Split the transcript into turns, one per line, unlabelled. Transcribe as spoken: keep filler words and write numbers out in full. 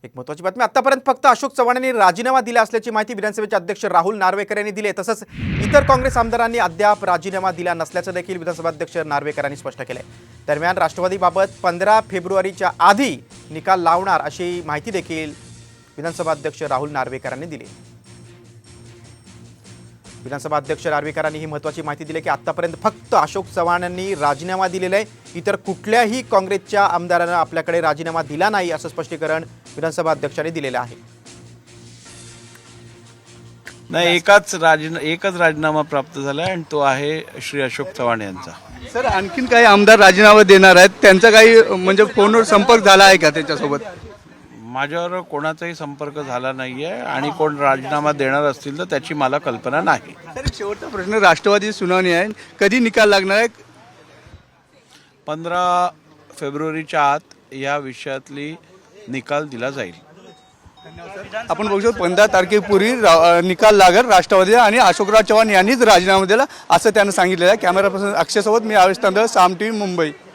एक महत्त्वाची बातमी, आतापर्यंत फक्त अशोक चव्हाण यांनी राजीनामा दिला असल्याची माहिती विधानसभेचे अध्यक्ष राहुल नार्वेकर यांनी दिली। तसंच इतर काँग्रेस आमदारांनी अद्याप राजीनामा दिला नसल्याचं देखील विधानसभा अध्यक्ष नार्वेकरांनी स्पष्ट केलंय। दरम्यान राष्ट्रवादीबाबत पंधरा फेब्रुवारीच्या आधी निकाल लावणार अशी माहिती देखील विधानसभा अध्यक्ष राहुल नार्वेकरांनी दिली। विधानसभा अध्यक्ष नार्वेकरांनी ही महत्त्वाची माहिती दिली की आतापर्यंत फक्त अशोक चव्हाण यांनी राजीनामा दिलेला आहे, इतर कुठल्याही काँग्रेसच्या आमदारांना आपल्याकडे राजीनामा दिला नाही असं स्पष्टीकरण विधानसभा अध्यक्षांनी दिलेलं आहे।
नाही, एकाच राजीना एकच राजीनामा प्राप्त झाला आणि तो आहे श्री अशोक चव्हाण यांचा।
सर, आणखीन काही आमदार राजीनामा देणार आहेत, त्यांचा काही म्हणजे फोनवर संपर्क झाला आहे का त्यांच्यासोबत?
माझ्यावर कोणाचाही संपर्क झाला नाहीये आणि कोण राजीनामा देणार असतील तर त्याची मला कल्पना नाही।
सर, शेवटचा प्रश्न, राष्ट्रवादी सुनावणी आहे, कधी निकाल लागणार आहे?
पंधरा फेब्रुवारीच्या आत या विषयातली निकाल दिला जाईल।
आपण बघू शकतो पंधरा तारखेपूर्वी निकाल लागेल राष्ट्रवादी आणि अशोकराव चव्हाण यांनीच राजीनामा दिला असं त्यानं सांगितलेलं आहे। कॅमेरा पर्सन अक्षयसोबत मी आवेश तांदळ, साम टीव्ही, मुंबई।